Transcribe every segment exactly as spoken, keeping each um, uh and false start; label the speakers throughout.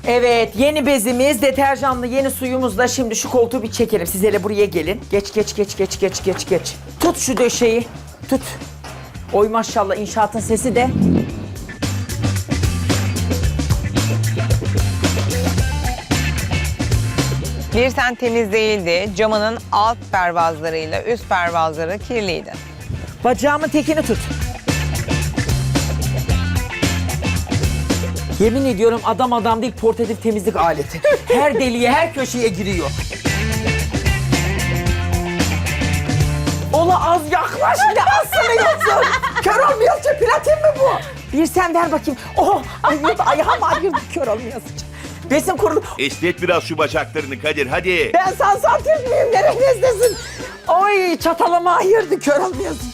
Speaker 1: Evet, yeni bezimiz, deterjanlı yeni suyumuzla şimdi şu koltuğu bir çekelim. Siz hele buraya gelin. Geç, geç, geç, geç, geç, geç, geç. Tut şu döşeyi, tut. Oy maşallah, inşaatın sesi de.
Speaker 2: Bir sen temiz değildi. Camının alt pervazlarıyla üst pervazları kirliydi.
Speaker 1: Bacağımın tekini tut. Yemin ediyorum adam adam değil, portatif temizlik aleti. Her deliğe, her köşeye giriyor. Ola az yaklaş, bir de az sanıyorsun. Kör olmayasın, platin mi bu? Bir sen ver bakayım. Oh, ayırdı, ayağım ayırdı, kör olmayasın. Besin kurulu.
Speaker 3: Esnet biraz şu bacaklarını Kadir hadi.
Speaker 1: Ben sansatif miyim, neredesin? Oy, çatalama ayırdı, kör olmayasın.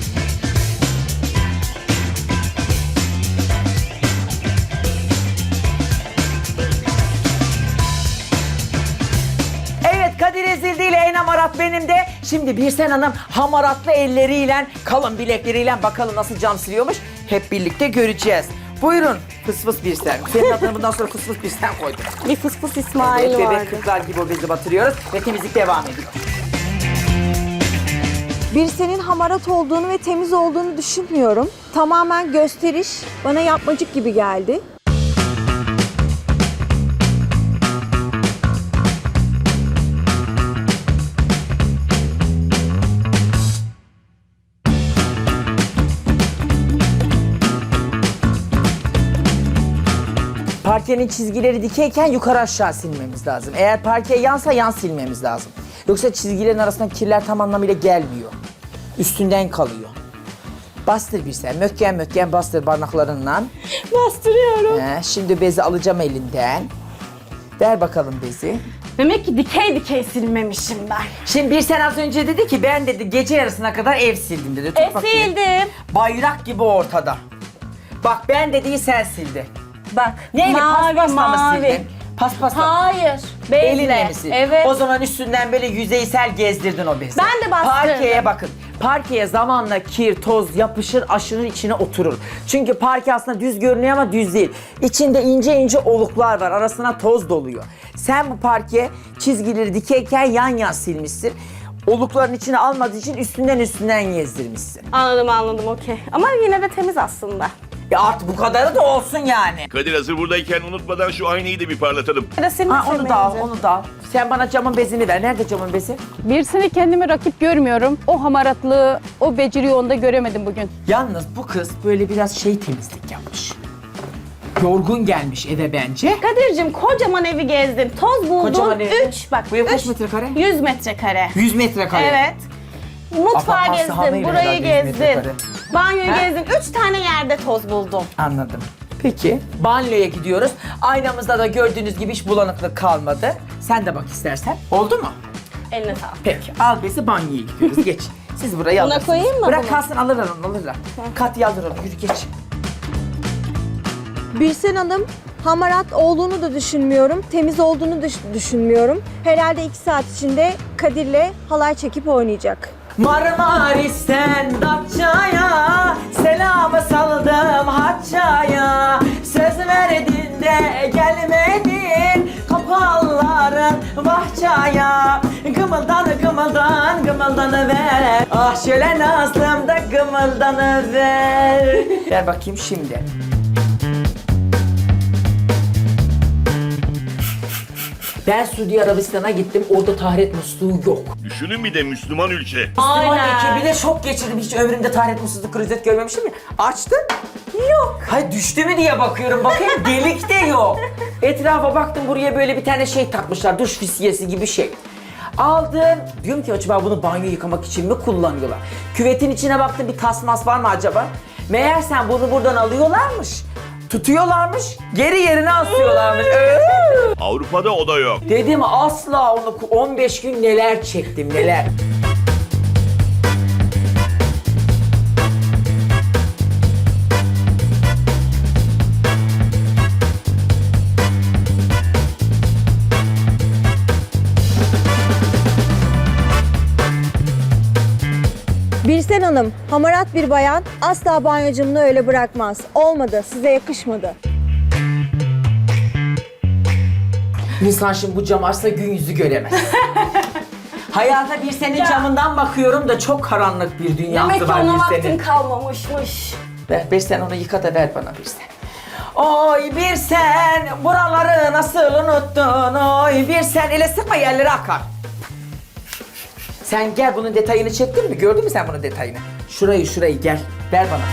Speaker 1: Kadir Ezildi ile en hamarat benim de. Şimdi Birsen Hanım hamaratlı elleriyle, kalın bilekleriyle bakalım nasıl cam siliyormuş. Hep birlikte göreceğiz. Buyurun fıs fıs Birsen. Senin adını bundan sonra fıs fıs Birsen koydum.
Speaker 4: Bir fıs fıs İsmail
Speaker 1: Evet,
Speaker 4: vardı.
Speaker 1: bebek kızlar gibi o bezi batırıyoruz ve temizlik devam ediyor.
Speaker 4: Birsen'in hamarat olduğunu ve temiz olduğunu düşünmüyorum. Tamamen gösteriş, bana yapmacık gibi geldi.
Speaker 1: Parkenin çizgileri dikeyken yukarı aşağı silmemiz lazım. Eğer parke yansa yan silmemiz lazım. Yoksa çizgilerin arasından kirler tam anlamıyla gelmiyor. Üstünden kalıyor. Bastır bir sen. Mökken mökken bastır parmaklarınla.
Speaker 4: Bastırıyorum.
Speaker 1: He, şimdi bezi alacağım elinden. Ver bakalım bezi.
Speaker 5: Demek ki dikey dikey silmemişim ben.
Speaker 1: Şimdi bir sen az önce dedi ki ben dedi gece yarısına kadar ev sildim dedi. Tut
Speaker 5: E
Speaker 1: bakayım.
Speaker 5: sildim.
Speaker 1: Bayrak gibi ortada. Bak ben dediği sen sildi.
Speaker 5: Bak
Speaker 1: Neyle
Speaker 5: mavi
Speaker 1: paspasla mı
Speaker 5: mavi.
Speaker 1: sildin? Paspasla.
Speaker 5: Hayır. Bezle.
Speaker 1: Elinle mi sildin?
Speaker 5: Evet.
Speaker 1: O zaman üstünden böyle yüzeysel gezdirdin o bezi.
Speaker 5: Ben de bastırdım.
Speaker 1: Parkeye bakın. Parkeye zamanla kir, toz yapışır, aşının içine oturur. Çünkü parke aslında düz görünüyor ama düz değil. İçinde ince ince oluklar var. Arasına toz doluyor. Sen bu parkeye çizgileri dikeyken yan yan silmişsin. Olukların içine almadığı için üstünden üstünden gezdirmişsin.
Speaker 5: Anladım anladım okey. Ama yine de temiz aslında.
Speaker 1: Ya artık bu kadarı da olsun yani.
Speaker 3: Kadir hazır buradayken unutmadan şu aynayı da bir parlatalım.
Speaker 5: Ya da senin
Speaker 1: Ha, onu da al,
Speaker 5: sevmeyince.
Speaker 1: onu da al. Sen bana camın bezini ver. Nerede camın bezi?
Speaker 6: Birisini kendime rakip görmüyorum. O hamaratlığı, o beceriyi onda göremedim bugün.
Speaker 1: Yalnız bu kız böyle biraz şey temizlik yapmış. Yorgun gelmiş eve bence.
Speaker 5: Kadir'cim kocaman evi gezdin. Toz buldun.
Speaker 1: Kocaman evi.
Speaker 5: Üç bak.
Speaker 1: Bu ev kaç
Speaker 5: üç,
Speaker 1: metrekare?
Speaker 5: yüz metrekare.
Speaker 1: yüz metrekare.
Speaker 5: Evet. Mutfağı
Speaker 1: Apartman
Speaker 5: gezdin,
Speaker 1: sahanıyla
Speaker 5: burayı
Speaker 1: herhalde yüz
Speaker 5: gezdin.
Speaker 1: metrekare.
Speaker 5: Banyoyu
Speaker 1: Ha?
Speaker 5: gezdin. Üç tane yerde toz buldum.
Speaker 1: Anladım. Peki. Banyoya gidiyoruz. Aynamızda da gördüğünüz gibi hiç bulanıklık kalmadı. Sen de bak istersen. Oldu mu?
Speaker 5: Eline sağlık.
Speaker 1: Peki. Al bezi banyoya gidiyoruz. Geç. Siz burayı
Speaker 5: Buna
Speaker 1: alırsınız.
Speaker 5: koyayım mı
Speaker 1: Bırak
Speaker 5: bunu?
Speaker 1: kalsın alırlar onu alırlar. Katya alır onu. Yürü geç.
Speaker 4: Birsen Hanım hamarat olduğunu da düşünmüyorum, temiz olduğunu da düşünmüyorum. Herhalde iki saat içinde Kadir'le halay çekip oynayacak.
Speaker 1: Marmaris'ten Datça'ya selamı saldım Hatça'ya. Söz verdin de gelmedin kapalların bahçaya. Gımıldan gımıldan gımıldanıver. Ah şöyle nazlım da gımıldanıver. Ver bakayım şimdi. Ben Suudi Arabistan'a gittim, orada taharet musluğu yok.
Speaker 3: Düşünün bir de Müslüman ülke.
Speaker 1: Müslüman
Speaker 5: Aynen.
Speaker 1: ekibiyle şok geçirdim. Hiç ömrümde taharet musluğu krizi görmemişim ya. Açtım. Yok. Hayır düştü mü diye bakıyorum. Bakayım delik de yok. Etrafa baktım buraya böyle bir tane şey takmışlar. Duş fisyesi gibi şey. Aldım. Diyorum ki acaba bunu banyo yıkamak için mi kullanıyorlar? Küvetin içine baktım bir tasmas var mı acaba? Meğersem bunu buradan alıyorlarmış. Tutuyorlarmış. Geri yerine asıyorlarmış. Ee?
Speaker 3: Avrupa'da o da yok.
Speaker 1: Dedim asla onu on beş gün neler çektim neler.
Speaker 4: Birsen Hanım, hamarat bir bayan asla banyocumunu öyle bırakmaz. Olmadı, size yakışmadı.
Speaker 1: İnsan şimdi bu cam açsa gün yüzü göremez. Hayata bir senin
Speaker 5: Ya.
Speaker 1: camından bakıyorum da çok karanlık bir dünyası
Speaker 5: Demek ki
Speaker 1: var
Speaker 5: ona
Speaker 1: bir
Speaker 5: vaktin
Speaker 1: senin.
Speaker 5: kalmamışmış.
Speaker 1: Ver, bir sen onu yıka da ver bana bir sen. Oy bir sen buraları nasıl unuttun? Oy bir sen ele sıkma yerlere akar. Sen gel bunun detayını çektin mi? Gördün mü sen bunun detayını? Şurayı şurayı gel. Ver bana.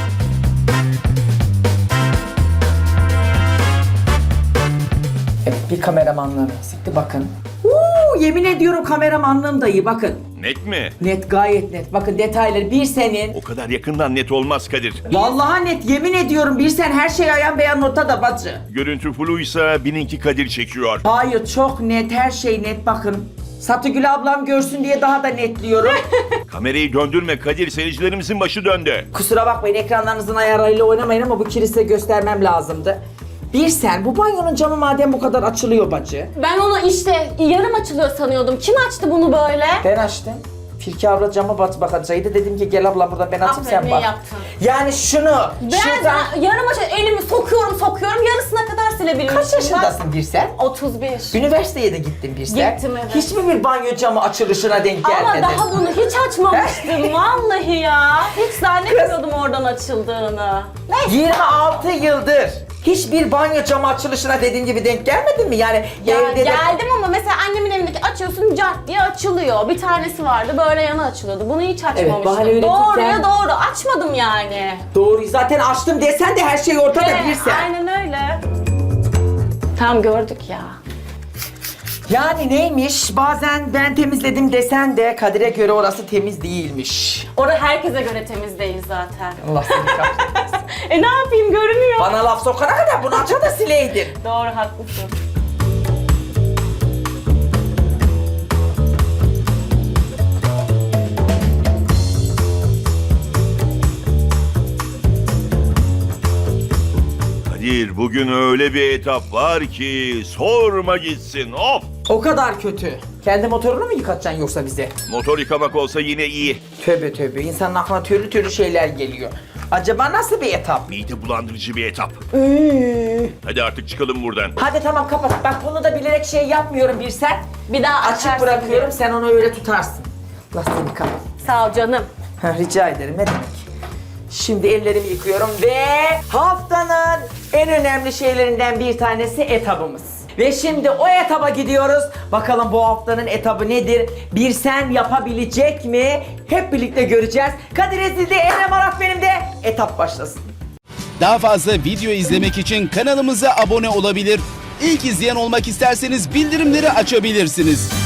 Speaker 1: Evet bir kameramanlığım eksikti bakın. Uuu yemin ediyorum kameramanlığım da iyi bakın.
Speaker 3: Net mi?
Speaker 1: Net gayet net. Bakın detayları bir senin.
Speaker 3: O kadar yakından net olmaz Kadir.
Speaker 1: Vallahi net yemin ediyorum bir sen her şey ayan beyan ortada bacı.
Speaker 3: Görüntü fluysa bininki Kadir çekiyor.
Speaker 1: Hayır çok net her şey net bakın. Satıgül ablam görsün diye daha da netliyorum.
Speaker 3: Kamerayı döndürme Kadir, seyircilerimizin başı döndü.
Speaker 1: Kusura bakmayın ekranlarınızın ayarlarıyla oynamayın ama bu kiri size göstermem lazımdı. Bir sen bu banyonun camı madem bu kadar açılıyor bacı.
Speaker 5: Ben onu işte yarım açılıyor sanıyordum. Kim açtı bunu böyle?
Speaker 1: Ben açtım. Firki abla cama bat bakacaktı. Dedim ki gel abla burada ben açayım
Speaker 5: Aferin,
Speaker 1: sen
Speaker 5: iyi
Speaker 1: bak.
Speaker 5: yaptın.
Speaker 1: Yani şunu
Speaker 5: Ben
Speaker 1: şuradan...
Speaker 5: yarım açı elimi sokuyorum sokuyorum yarısına kadar silebilmişim.
Speaker 1: Kaç yaşındasın bir sen?
Speaker 5: otuz bir.
Speaker 1: Üniversiteye de gittin bir sen.
Speaker 5: Gittim, evet.
Speaker 1: Hiç mi bir banyo camı açılışına denk gelmedin?
Speaker 5: Ama daha bunu hiç açmamıştım vallahi ya. Hiç zannetmiyordum oradan açıldığını. Neyse.
Speaker 1: yirmi altı yıldır hiçbir banyo camı açılışına dediğin gibi denk gelmedin mi? Yani
Speaker 5: Ya
Speaker 1: evde de...
Speaker 5: geldim ama mesela annemin evindeki açıyorsun cart diye açılıyor. Bir tanesi vardı böyle yana açılıyordu. Bunu hiç açmamıştım.
Speaker 1: bahane üretirken-
Speaker 5: Doğruya doğru açmadım yani.
Speaker 1: Doğru zaten açtım desen de her şey ortada
Speaker 5: Evet,
Speaker 1: bir sen.
Speaker 5: aynen öyle. Tam gördük ya.
Speaker 1: Yani neymiş? Bazen ben temizledim desen de Kadir'e göre orası temiz değilmiş.
Speaker 5: Orada herkese göre temiz değil zaten.
Speaker 1: Allah seni kahretsin.
Speaker 5: E ne yapayım görünüyor.
Speaker 1: Bana laf sokana kadar bunu aça da sileydin.
Speaker 5: Doğru haklısın.
Speaker 3: Kadir bugün öyle bir etap var ki sorma gitsin. Of!
Speaker 1: O kadar kötü. Kendi motorunu mu yıkatacaksın yoksa bize?
Speaker 3: Motor yıkamak olsa yine iyi.
Speaker 1: Tövbe tövbe insanın aklına türlü türlü şeyler geliyor. Acaba nasıl bir etap?
Speaker 3: Mide bulandırıcı bir etap.
Speaker 1: Ee.
Speaker 3: Hadi artık çıkalım buradan.
Speaker 1: Hadi tamam kapat. Bak bunu da bilerek şey yapmıyorum bir sen.
Speaker 5: Bir daha
Speaker 1: Açık
Speaker 5: açarsın
Speaker 1: bırakıyorum
Speaker 5: diye.
Speaker 1: sen onu öyle tutarsın. Allah seni kapat.
Speaker 5: Sağ ol canım.
Speaker 1: Ha, rica ederim ne demek. Şimdi ellerimi yıkıyorum ve haftanın en önemli şeylerinden bir tanesi etabımız. Ve şimdi o etaba gidiyoruz. Bakalım bu haftanın etabı nedir? Bir sen yapabilecek mi? Hep birlikte göreceğiz. Kadir Ezildi, Enem Arat benim de. Etap başlasın.
Speaker 7: Daha fazla video izlemek için kanalımıza abone olabilir. İlk izleyen olmak isterseniz bildirimleri açabilirsiniz.